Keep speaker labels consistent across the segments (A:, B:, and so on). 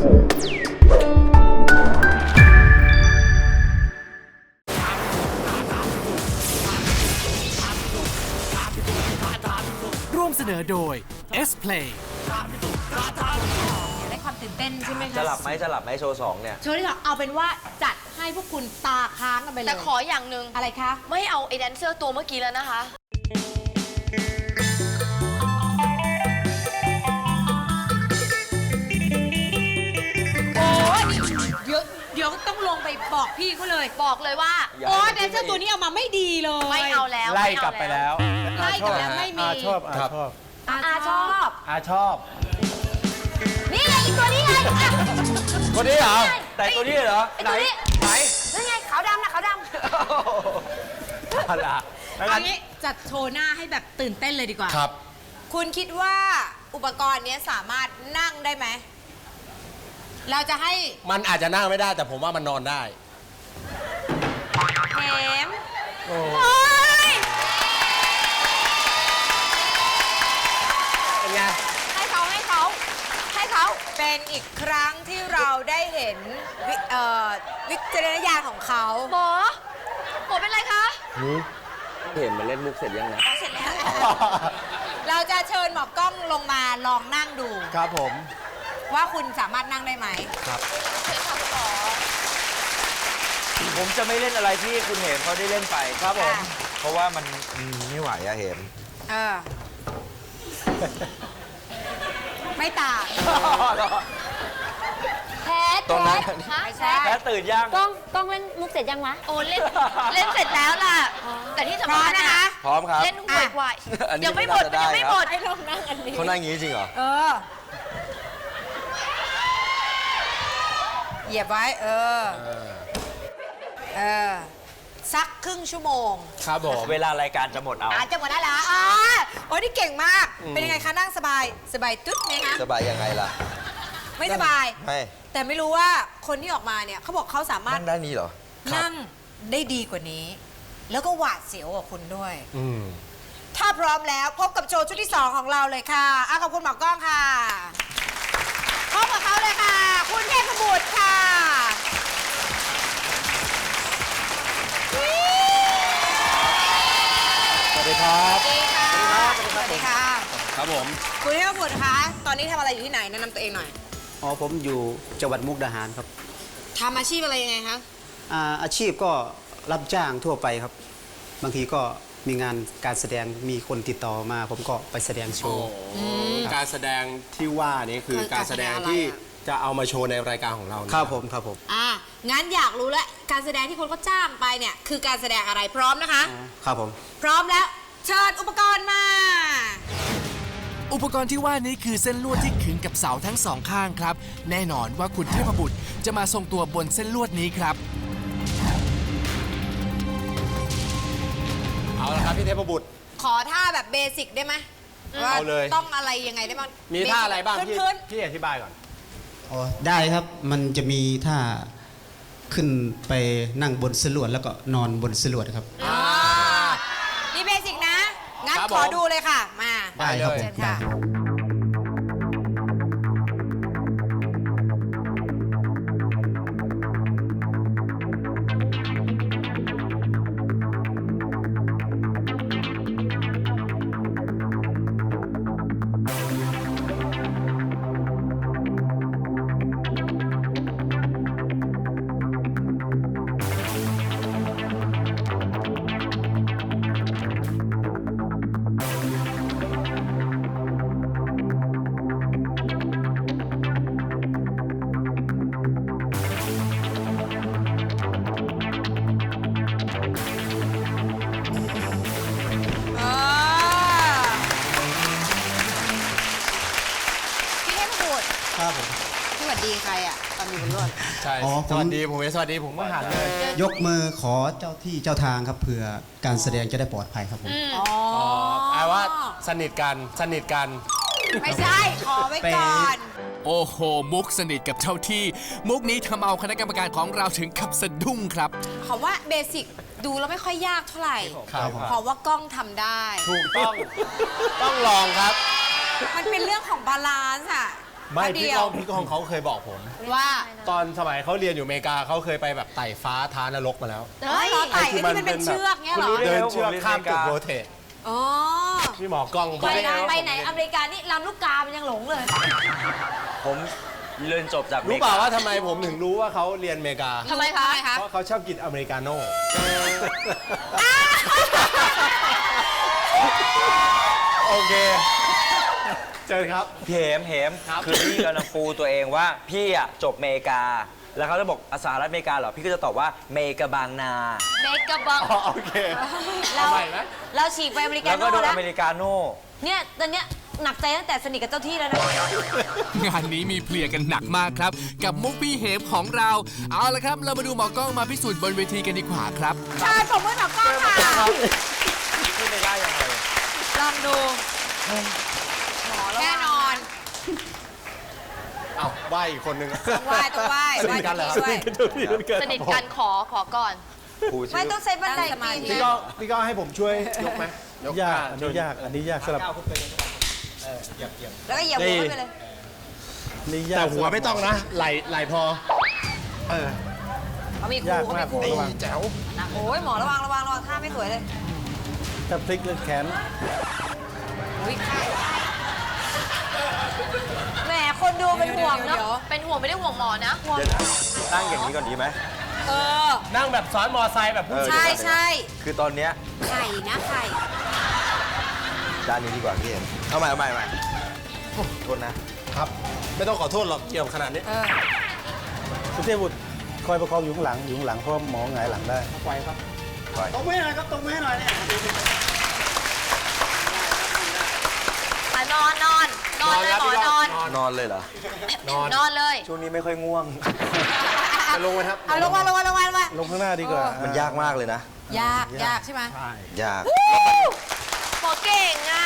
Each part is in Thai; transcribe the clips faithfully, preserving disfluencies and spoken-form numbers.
A: ร่วมเสนอโดย S Play
B: ได้ความตื่นเต้นใช่ไหมคะ
C: จะหลับไหมจะหลับไหมโชว์สองเนี่ย
B: โชว์ที่สองเอาเป็นว่าจัดให้พวกคุณตาค้างกันไปเลย
D: แต่ขออย่างหนึ่ง
B: อะไรคะ
D: ไม่เอาไอ้แดนเซอร์ตัวเมื่อกี้แล้วนะคะ
B: โอ้ยเดี๋ยวเดี๋ยวต้องลงไปบอกพี่เขาเลย
D: บอกเลยว่า
B: โอ้แดนเซอร์ตัวนี้เอามาไม่ดีเลย
D: ไม่เอาแล้ว
E: ไล่กลับไปแล้ว
B: ไล่กลับแล้วไม่มี
E: อาชอบอาชอบ
B: อาชอบ
E: อาชอบ
D: นี่ไงอีกตัวนี้ไงอ่ะ
E: คนนี้เหรอ
C: แต่ตัวนี้เหรอ
D: ไอ้ตัวนี้
C: ไหน
D: นั่นไงขาวดำนะขาวดำ
E: เอาล่ะ
B: เอางี้จัดโชว์หน้าให้แบบตื่นเต้นเลยดีกว่า
E: ครับ
B: คุณคิดว่าอุปกรณ์นี้สามารถนั่งได้ไหม เราจะให้
E: มันอาจจะนั่งไม่ได้แต่ผมว่ามันนอนได้
B: แถม
E: โอ้
B: โอ้ย
E: เป็นไง
D: ให้เขาให้เขาให้เขา
B: เป็นอีกครั้งที่เราได้เห็นวิเอ่อวิจารณญาณของเขา
D: หมอหมอเป็นไรคะ
C: เห็นมันเล่นมุกเสร็จยังนะ
D: เอาเสร็จแล้ว
B: เราจะเชิญหมอกล้องลงมาลองนั่งดู
E: ครับผม
B: ว่าคุณสามารถนั่งได้ไหม
E: ครับ
C: ผมจะไม่เล่นอะไรที่คุณเห็นเขาได้เล่นไปครับผม เพราะว่ามันอืมไม่ไหวอะเห็น
B: เออ ไม่ต่าง
D: แพ้
C: ตรงนั้น
D: ฮะ
B: ไม่ใช่
C: แพ้ตื่นยัง
F: กล้องกล้องเล่นมุกเสร็จยังวะ
D: โอ้เล่นเล่นเสร็จแล้วล่ะ แต่ที่
B: พ
D: สำ
B: ร้อ
D: คั
B: ม
D: ญ
B: นะคะ
C: พร้อมครับ
D: เล่นห่วยกว่า
C: อันนี้
D: ยังไม่หมด
C: ไม่
D: มัน
C: น่าจะ
D: ยังไม่
C: ได้
D: หมด
B: ให้ลองนั่งอันนี้
C: เขานั่งอย่างนี้จริงเหรอ
B: เออ เหยียบไว้ เออ เออ สักครึ่งชั่วโมง
E: ครับผม
C: เวลารายการจะหมดเอา
B: อาจจะหมดแล้วเหรออ๋อโอ้ยนี่เก่งมาก เป็นยังไงคะนั่งสบาย สบายตุ๊ดไหมคะ
C: สบายยังไงล่ะ
B: ไม่สบาย
C: ไม่
B: แต่ไม่รู้ว่าคนที่ออกมาเนี่ยเขาบอกเขาสามารถ
C: นั่งได้นี้เหรอ
B: นั่งได้ดีกว่านี้ แล้วก็หวาดเสียวกว่าคุณด้วย
E: อืม
B: ถ้าพร้อมแล้วพบกับโชว์ชุดที่สองของเราเลยค่ะอ่ะขอบคุณหมอกล้องค่ะพบกับเขาเลยค่ะ คุณเทพบุตรค่ะวิ
E: สวัสดีครับ
B: สวัสดีค่ะสวัสดีค่ะ
E: ครับผม
B: คุณเทพบุตรคะตอนนี้ทำอะไรอยู่ที่ไหนแนะนำตัวเองหน่อย
G: อ๋อผมอยู่จังหวัดมุกดาหารครับ
B: ทำอาชีพอะไรยังไงคะ
G: อาอาชีพก็รับจ้างทั่วไปครับ บางทีก็มีงานการแสดงมีคนติดต่อมา ผมก็ไปแสดงโชว์
E: การแสดงที่ว่านี้คือ
B: คือ
E: การแสดง
B: การแสดงอะไร
E: ที่
B: อะ
E: จะเอามาโชว์ในรายการของเรานะครับ
G: ผมครับผม
B: อ่ะงั้นอยากรู้แล้วการแสดงที่คนก็จ้างไปเนี่ยคือการแสดงอะไรพร้อมนะคะ
G: ครับผม
B: พร้อมแล้วเชิญอุปกรณ์มา
A: อุปกรณ์ที่ว่านี้คือเส้นลวดที่ขึงกับเสาทั้งสองข้างครับ แน่นอนว่าคุณเทพบุตรจะมาทรงตัวบนเส้นลวดนี้ครับ
E: เอาละครับพี่เทพบุตร
B: ขอท่าแบบเบสิกได้ไหมว่า
E: เอาเลย
B: ต้องอะไรยังไงได้บ้าง
E: มีท่าอะไรบ้างพี่
B: พื้น
E: พี่อธิบายก่อน
G: อ๋อ ได้ครับ มันจะมีท่าขึ้นไปนั่งบนสลวดแล้วก็นอนบนสลวดครับ
B: ๆอ่านี่เบสิกนะ งั้น
E: ครับ
B: ขอ
E: ผม
B: ดูเลยค่ะ มา
G: ได้ครับผม
B: เชิญ
G: ได้
B: ค่ะ อ่าพี่เทพบุตร
G: ครับผม
B: สวัสดีใครอ่ะตอนอยู่บนรถ
E: ใช่
G: อ๋อผม
E: สวัสดีผมเองสวัสดีผมก็หันเลย
G: ยกมือขอเจ้าที่เจ้าทางครับเผื่อการแสดงจะได้ปลอดภัยครับผม
B: อ๋อ
E: แปลว่าสนิทกันสนิทกัน
B: ไม่ใช่ ขอไว้ก่อน
A: โอ้โห มุกสนิทกับเจ้าที่ มุกนี้ทำเอาคณะกรรมการของเราถึงกับสะดุ้งครับ
B: ขอว่าเบสิกดูแล้วไม่ค่อยยากเท่าไหร่
E: ครับ
B: เพราะว่ากล้องทำได้
E: ถูกต้อง ต้องลองครับ
B: มันเป็นเรื่องของบาลานซ์อะ
E: ไม่
B: อันเดี
E: พี่
B: ยว
E: ก้องพี่ก้องเขาเคยบอกผม
B: ว่า
E: ตอนสมัยเขาเรียนอยู่อเมริกาเขาเคยไปแบบไต่ฟ้าท้านรกมาแล้ว
B: เฮ้ยไต่ไอ้ที่มันเป็นเชือกเงี้ยเหรอ
C: คุณรู้ได้
E: เดิ
C: ไง
E: น
C: ว่า
E: เชือก
C: ผมเรียน
E: ข้ามตึก
C: อเมริกา
E: โรเทต
B: อ๋อ
E: พี่หมอกล้องบ
D: ไป
E: อก
D: ไหนไปไหนอเมริกานี่ลำลูกกามันยังหลงเลย
C: ผมเรียนจบจากอม
E: รู้
C: ริก
E: เปล่าว่าทำไมผมถึงรู้ว่าเขาเรียนอเมริกา
D: ทำไมคะ
E: เพราะเขาชอบกินอเมริกาโน่โอเค เจอครับ
C: เหมเหม
E: ครับ
C: คือพี่กำลังปูตัวเองว่าพี่อ่ะจบอเมริกา แล้วเขาจะบอกสหรัฐอเมริกาเหรอ พี่ก็จะตอบว่าเมกาบางนา
D: เมกะบัง
E: อ๋อโอเค
B: เรา
E: ทำไมไหม
B: เราฉีกไปอเมริกา
C: แล้วก็
B: โน่
C: โดน
B: แล้
C: อ
B: ว
C: เมริกาโน่
B: เนี่ยตอนเนี้ยหนักใจตั้งแต่สนิทกับเจ้าที่แล้วนะ
A: งานนี้มีเพลียกันหนักมากครับ กับมุกพี่เหมของเรา เอาละครับ เรามาดูหมอกล้องมาพิสูจน์บนเวทีกันดีกว่าครับ
B: ชายผมมือหมอกล้องค่ะ
C: ขึ้นไม่ได้ยังไง
B: ลองดูแน่นอน
E: เอ้าใบอีกคนนึง
B: ต้องไหว้ต้องไหว้
E: สนิทกันเหรอ
B: ไหว้
D: สนิทกันขอขอก่อน
C: ครูชื่
B: ไม่
C: อ
B: ต้องใช้บันไดปีน
E: พี่ก็พี่ก็ให้ผมช่วยยกไหม
H: ยากอันนี้ยาก อันนี้ยากสำหรับ
B: แล้วก็เหยียบหัวขึ้นไปเลย
H: นี่ยาก
E: แต่หัวไม่ต้องนะ ไหลไหลพอ
H: เออ
B: เขามีครู
H: ยาก
B: เขา
H: มา
B: มี
H: ก
B: ครู
H: ระวัง
E: แจ๋ว
B: นะโอ้ยหมอระวังระวังระวังท่าไม่สวยเลย
H: ถ้าพลิกเลือดแขน
B: อุ๊ยแหมคนดูเป็นห่วงเนาะ
D: เป็นห่วงไม่ได้ห่วงหมอนะห่วง
C: เดี๋ยวนะนั่งอย่างนี้ก่อนดีไหม
B: เออ
E: นั่งแบบซ้อนมอไซค์แบบผู้
C: เออ
B: ใช่ใช่
C: คือตอนเนี้ย
B: ไข่นะไข่
C: ด้านนี้ดีกว่าพี่เอ็มเอาใหม่เอาใหม่เอาใหม่โทษนะ
E: ครับ ไม่ต้องขอโทษหรอกเกี่ยวขนาดนี้
B: เออ
H: คุณเทพบุตรคอยประคองอยู่ข้างหลัง อยู่ข้างหลังเพราะหมอหงายหลังได้
E: ไปครับ
C: ปล่อย
H: ตรงมือหน่อยครับ ตรงมือหน่อยเนี่ย
D: อ่ะนอนนอนนอนเลยหมอนอน
C: นอนเลยเหรอ
E: นอน
D: นอนเลย
C: ช่วงนี้ไม่ค่อยง่วง
E: จะลงไหมครับ
B: เอาลงมาลงมาลงมาลงมา
H: ลงข้างหน้าดีกว่า
C: มันยากมากเลยนะ
B: ยากยากใช่ไหม
C: ยาก
D: หมอเก่งอ่ะ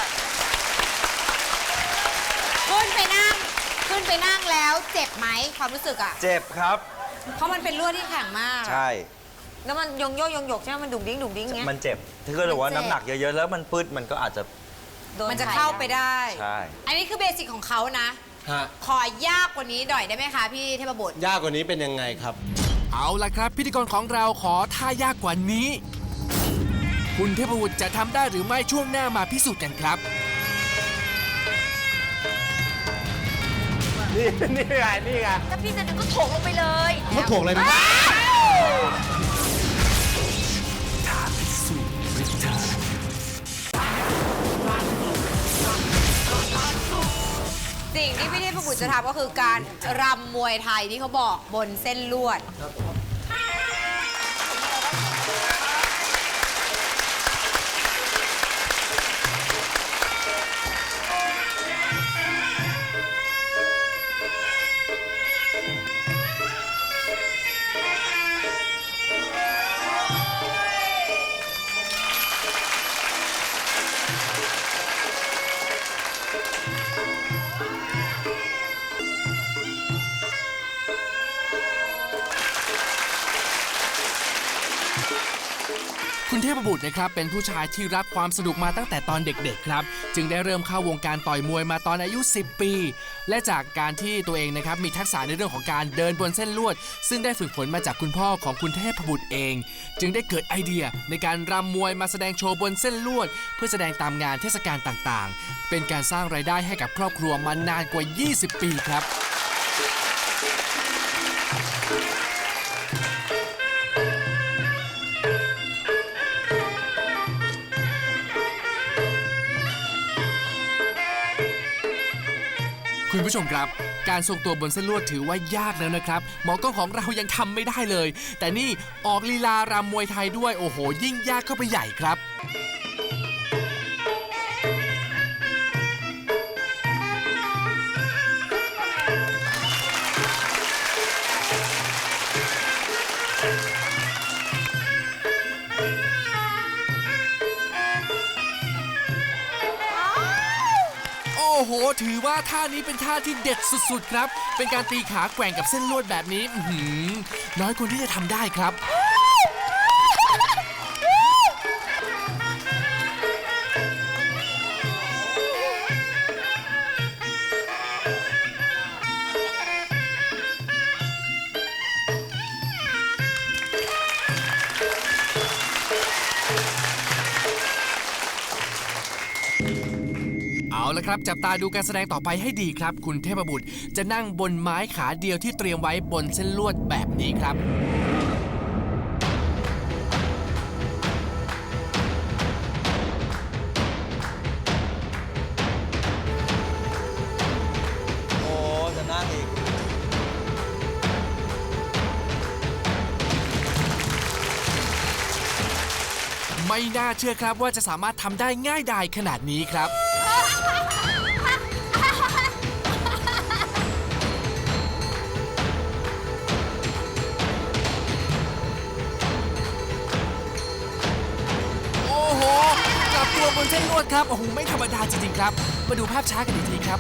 B: ขึ้นไปนั่ง ขึ้นไปนั่งแล้วเจ็บไหมความรู้สึกอ่ะ
C: เจ็บครับ
B: เพราะมันเป็นลวดที่แข็งมาก
C: ใช่
B: แล้วมันยงโยกยงหยกใช่ไหมมันดุ่งดิ้งดุ่งดิ้งเงี้ย
C: มันเจ็บ ถ้าเกิดว่าน้ำหนักเยอะๆ แล้วมันปืดมันก็อาจจะ
B: มันจะเข้าไปได้
C: ใช่
B: อันนี้คือเบสิกของเขานะ
E: ฮะ
B: ขอยากกว่านี้หน่อยได้ไหมคะพี่เทพบุตร
E: ยากกว่านี้เป็นยังไงครับ
A: เอาละครับ พิธีกรของเราขอท่ายากกว่านี้ คุณเทพบุตรจะทำได้หรือไม่ช่วงหน้ามาพิสูจน์กันครับ
E: นี่นี่ไงนี่ไง
D: ถ้าพี่จะดึงก็โถงลงไปเลย
E: เขาถ่วงเลยนะ
B: สิ่งที่พี่เทพบุตรจะทำก็คือการรำมวยไทยที่เขาบอกบนเส้นลวด
A: คุณเทพบุตรนะครับเป็นผู้ชายที่รักความสนุกมาตั้งแต่ตอนเด็กๆครับจึงได้เริ่มเข้าวงการต่อยมวยมาตอนอายุ สิบ ปี และจากการที่ตัวเองนะครับมีทักษะในเรื่องของการเดินบนเส้นลวด ซึ่งได้ฝึกฝนมาจากคุณพ่อของคุณเทพบุตรเอง จึงได้เกิดไอเดียในการรำมวยมาแสดงโชว์บนเส้นลวด เพื่อแสดงตามงานเทศกาลต่างๆ เป็นการสร้างรายได้ให้กับครอบครัวมานานกว่า ยี่สิบ ปีครับ คุณผู้ชมครับ การทรงตัวบนเส้นลวดถือว่ายากแล้วนะครับ หมอกล้องของเรายังทำไม่ได้เลย แต่นี่ออกลีลารำมวยไทยด้วยโอ้โห ยิ่งยากเข้าไปใหญ่ครับ โอ้โห ถือว่าท่านี้เป็นท่าที่เด็ดสุดๆครับ เป็นการตีขาแกว่งกับเส้นลวดแบบนี้อื้อหือน้อยคนที่จะทำได้ครับละครับจับตาดูการแสดงต่อไปให้ดีครับ คุณเทพบุตรจะนั่งบนไม้ขาเดียวที่เตรียมไว้บนเส้นลวดแบบนี้ครับ
C: โอ้จะนั่งอีก
A: ไม่น่าเชื่อครับว่าจะสามารถทำได้ง่ายดายขนาดนี้ครับ โอ้โหกลับตัวบนเส้นลวดครับ โอ้โห ไม่ธรรมดาจริงๆครับ มาดูภาพช้ากันอีกทีครับ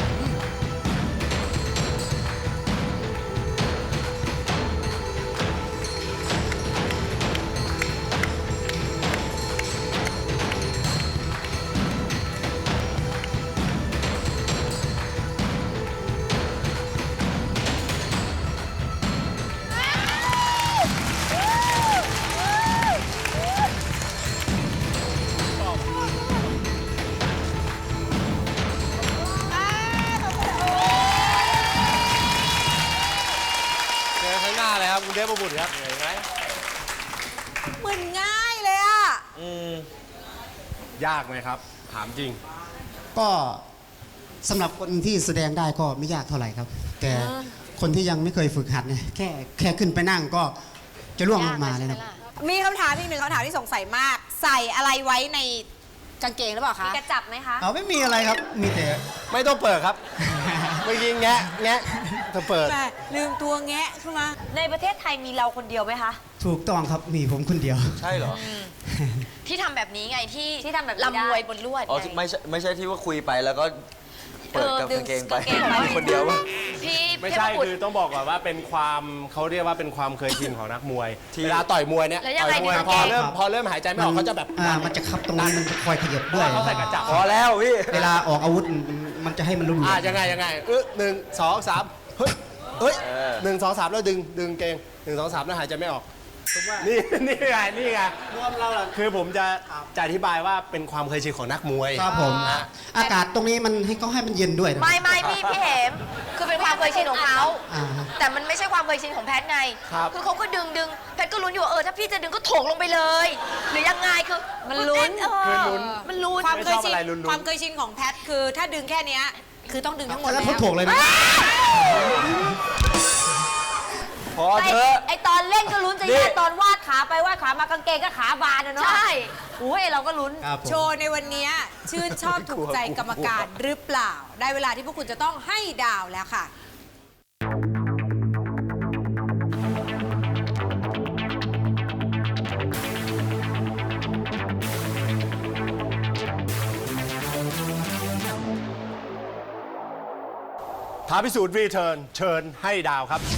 E: เจอข้างหน้าเลยครับคุณเทพบุตรครับเห็นไหม
B: เหมือนง่ายเลยอ่ะ
C: อืม
E: ยากไหมครับ ถามจริง
G: ก็สำหรับคนที่แสดงได้ก็ไม่ยากเท่าไหร่ครับ แต่คนที่ยังไม่เคยฝึกหัดเนี่ยแค่แค่ขึ้นไปนั่งก็จะล่วงลงมาเลยนะ
B: มีคำถามอีกหนึ่งคำถามที่สงสัยมาก ใส่อะไรไว้ในกางเกงหรือเปล่า
D: มี
B: คะ
D: กระจับไหมคะ
G: เอาไม่มีอะไรครับ มีแต่
E: ไม่ต้องเปิดครับ เมื่อกี้แงะแงะจะเปิด
B: แม่ลืมตัวแงะขึ้นมา
D: ในประเทศไทยมีเราคนเดียวไหมคะ
G: ถูกต้องครับมีผมคนเดียว
C: ใช่เหรอ
D: ที่ทำแบบนี้ไงที่
F: ที่ทำแบบนี้ได้
D: ลำมวยบนลวด
C: อ๋อ
D: ไง
C: ไม่ใช่ไม่ใช่ที่ว่าคุยไปแล้วก็เปิดกับ
D: ดึ
C: กางเกงไป
D: กางเกงไป
C: มีคนเดียววะ
D: พี่
E: ไม่
D: เทพ
E: ใช่
D: บุต
E: คือ
D: ร
E: ต้องบอกก่อนว่าเป็นความเขาเรียกว่าเป็นความเคยชินของนักมวย
C: ที่
E: เวลาต่อยมวยเนี่ย
D: แล้วยัง
E: ต่
D: ไง
E: อยมวย
D: ในกาง
E: พ
D: เก
E: อง เริ่มพอเริ่มหายใจไม่ออกเขาจะแบบ
G: อ่ามันจะคับตรงนี้มันจะคอยขยับด้วย
E: เขาใส่กระจับ
C: พอแล้วพี่
G: เวลาออกอาวุธมันจะให้มันรุนแร
E: อ่าง ยังไงยังไงเออหนึ่งสองสามเฮ้ยเฮ้ยหนึ่งสองสามแล้วดึงดึงเกงหนึ่งสองสามแล้วหายใจไม่ออกนี่นี่ไงนี่ไงรวมเราคือผมจะจะอธิบายว่าเป็นความเคยชินของนักมวย
G: ครับผม
E: อ่ะ
G: อากาศตรงนี้มันให้เขาให้มันเย็นด้วยนะ
D: ไม่ไม่พี่พี่เหมคือเป็นความเคยชินของเขา
G: อ่า
D: แต่มันไม่ใช่ความเคยชินของแพทไง
E: ครับ
D: อเขาก็ดึงดึงแพทก็ลุ้นอยู่ว่าเออถ้าพี่จะดึงก็โถงลงไปเลย หรือยังไงคือ
B: มันลุ้น
D: เออ
E: คือลุ้น
D: มันลุ้น
B: ความเคยชิน
E: ไม่ชอบอะไรลุ้นๆ
B: ความเคยชินของแพทคือถ้าดึงแค่เนี้ยคือต้องดึงทั้งหมด
G: แล้ว
B: แล้ว
G: เขาถ่วงเลยนะ
C: พอเถอะ
F: ไอตอนเล่นก็ลุ้นจะ
C: นี่
F: แย่ตอนวาดขาไปวาดขามากางเกงก็ขาบานอะเนาะ
D: ใช่
F: โอ้ยเราก็ลุ้น
G: ครับผม
B: โชว์ในวันนี้ชื่นชอบถูกใจกรรมการหรือเปล่า ได้เวลาที่พวกคุณจะต้องให้ดาวแล้วค่ะ
E: ท้าพิสูจน์รีเทิร์นเชิญให้ดาวครับ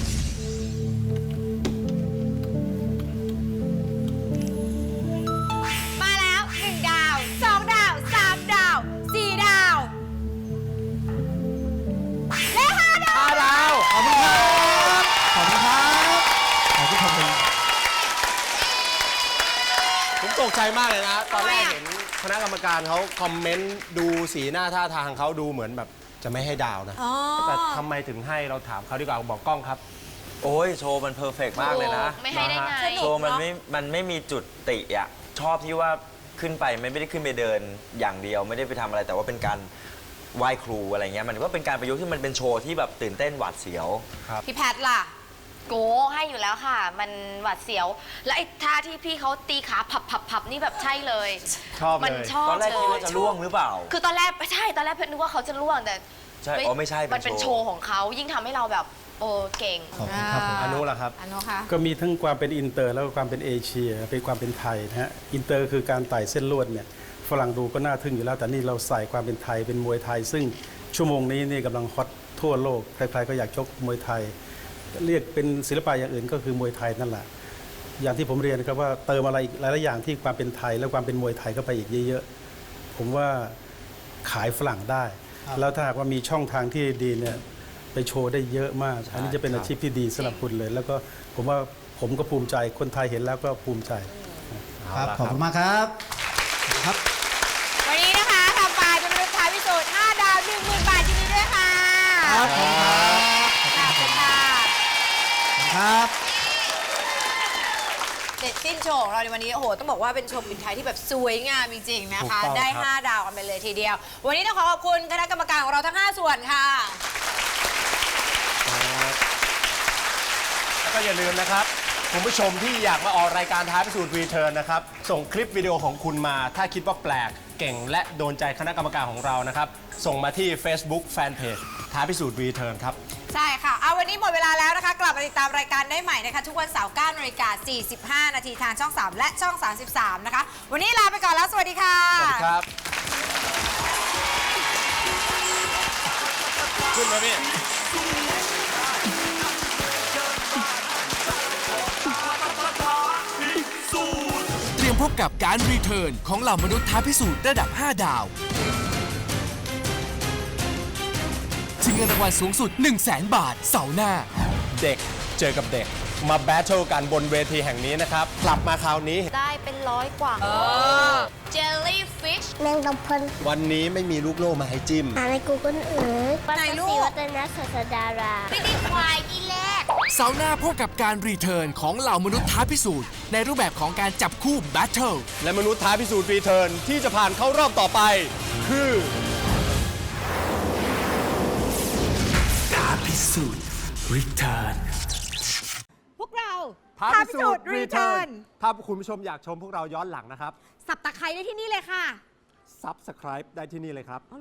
B: มาแล้วหนึ่งดาวสองดาวสามดาวสี่ดาวและห้าดาว
E: ห้าดาว ขอบคุณครับ ขอบคุณครับ
G: ขอบคุณครับผม
E: ผมตกใจมากเลยนะ ตอนแรกเห็นคณะกรรมการเขาคอมเมนต์ดูสีหน้าท่าทางเขาดูเหมือนแบบจะไม่ให้ดาวนะ
B: อ๋อ
E: แต่ทำไมถึงให้เราถามเขาดีกว่าบอกกล้องครับ
C: โอ้ยโชว์มันเพอร์เฟกต์มากเลยนะ
D: ไม่ให้ได้ไง
B: สนุก
C: โชว์มันไม่ มันไม่มีจุดติอ่ะ ชอบที่ว่าขึ้นไปไม่ได้ขึ้นไปเดินอย่างเดียว ไม่ได้ไปทำอะไรแต่ว่าเป็นการไหว้ครูอะไรเงี้ย มันก็เป็นการประยุกต์ที่มันเป็นโชว์ที่แบบตื่นเต้นหวาดเสียว
B: พี่แพทล่ะ
D: โกให้อยู่แล้วค่ะ มันหวาดเสียว และไอ้ท่าที่พี่เขาตีขาพับพับพับนี่แบบใช่เลย
E: ชอบเลย
D: มันชอบ
C: ตอนแรกคิดว่า
D: เลย
C: จะล่วงหรือเปล่า
D: คือตอนแรกใช่ตอนแรกเพชรนึกว่าเขาจะล่วงแต่
C: ใช่อ๋อไม่ใช่เป็น
D: มันเป็น
C: โช
D: โช
C: ว์
D: ว์ของเขายิ่งทำให้เราแบบโอ้เก่ง
G: ขอบคุณครับผม
E: อนุล่ะครับ
B: อนุค่ะ
H: ก็มีทั้งความเป็นอินเตอร์แล้วก็ความเป็นเอเชียเป็นความเป็นไทยนะฮะอินเตอร์คือการไต่เส้นลวดเนี่ยฝรั่งดูก็น่าทึ่งอยู่แล้ว แต่นี่เราใส่ความเป็นไทยเป็นมวยไทย ซึ่งชั่วโมงนี้นี่กำลังฮอตทั่วโลกใครๆก็อยากชกมวยไทย เรียกเป็นศิลปะอย่างอื่นก็คือมวยไทยนั่นแหละอย่างที่ผมเรียนนะครับว่าเติมอะไรอีกหลายๆอย่างที่ความเป็นไทยและความเป็นมวยไทยเข้าไปอีกเยอะๆผมว่าขายฝรั่งได้ แล้วถ้าหากว่ามีช่องทางที่ดีเนี่ยไปโชว์ได้เยอะมาก อันนี้จะเป็นอาชีพที่ดีสำหรับคุณเลย แล้วก็ผมว่าผมก็ภูมิใจคนไทยเห็นแล้วก็ภูมิใจ
G: ครับ ขอบคุณมากครับครับ
B: วันนี้นะคะทำไปเป็นรุ่นท้ายพิสูจน์ห้า
E: ครับขอบคุณครับ
B: ขอบคุณค่ะ
E: ครับ
B: เสร็จสิ้นโชว์ของเราในวันนี้โอ้โหต้องบอกว่าเป็นโชว์ปิดท้ายที่แบบสวยงามจริงๆนะคะ
E: ถูกต้อง
B: ได้
E: ครับ
B: ห้า ดาวกันไปเลยทีเดียว วันนี้ต้องขอขอบคุณคณะกรรมการของเราทั้ง ห้า ส่วนค่ะ
E: แล้วก็อย่าลืมนะครับคุณผู้ชมที่อยากมาออกรายการท้าพิสูจน์รีเทิร์นนะครับส่งคลิปวิดีโอของคุณมา ถ้าคิดว่าแปลกเก่งและโดนใจคณะกรรมการของเรานะครับส่งมาที่ Facebook Fanpage ท้าพิสูจน์รีเทิร์นครับ
B: ใช่ค่ะ เอาวันนี้หมดเวลาแล้วนะคะ กลับมาติดตามรายการได้ใหม่นะคะ ทุกวันเสาร์ เก้านาฬิกาสี่สิบห้า นาทีทางช่อง สาม และช่อง สามสิบสาม นะคะ วันนี้ลาไปก่อนแล้ว สวัสดีค่ะ
E: สวัสดีครับขึ้นมาพี่
A: เตรียมพบกับการรีเทิร์นของเหล่ามนุษย์ท้าพิสูจน์ระดับ ห้า ดาวชิงเงินรางวัลสูงสุด หนึ่งแสน บาทเสาร์หน้า
E: เด็กเจอกับเด็กมาแบทเทิลกันบนเวทีแห่งนี้นะครับกลับมาคราวนี้
D: ได้เป็นร้อยกว่าเจลลี่ฟิช
I: แมงกะพรุน
E: วันนี้ไม่มีลูกโล่มาให้จิ้ม
I: หาใน Google Earth
B: ไหนลูก
I: ปัตตวัฒนศาสดารา
D: ไม่ได้ควายที่แรก
A: เสาร์หน้าพบกับการรีเทิร์นของเหล่ามนุษย์ท้าพิสูจน์ในรูปแบบของการจับคู่แบทเทิล
E: และมนุษย์ท้าพิสูจน์รีเทิร์นที่จะผ่านเข้ารอบต่อไป คือ
A: ท้าพิสูจน์รีเทิร์น
B: พวกเรา
E: ท้าพิสูจน์รีเทิร์นถ้าคุณผู้ชมอยากชมพวกเราย้อนหลังนะครับ
B: สับตะไคร้ได้ที่นี่เลยค่ะ
E: Subscribe ได้ที่นี่เลยครับ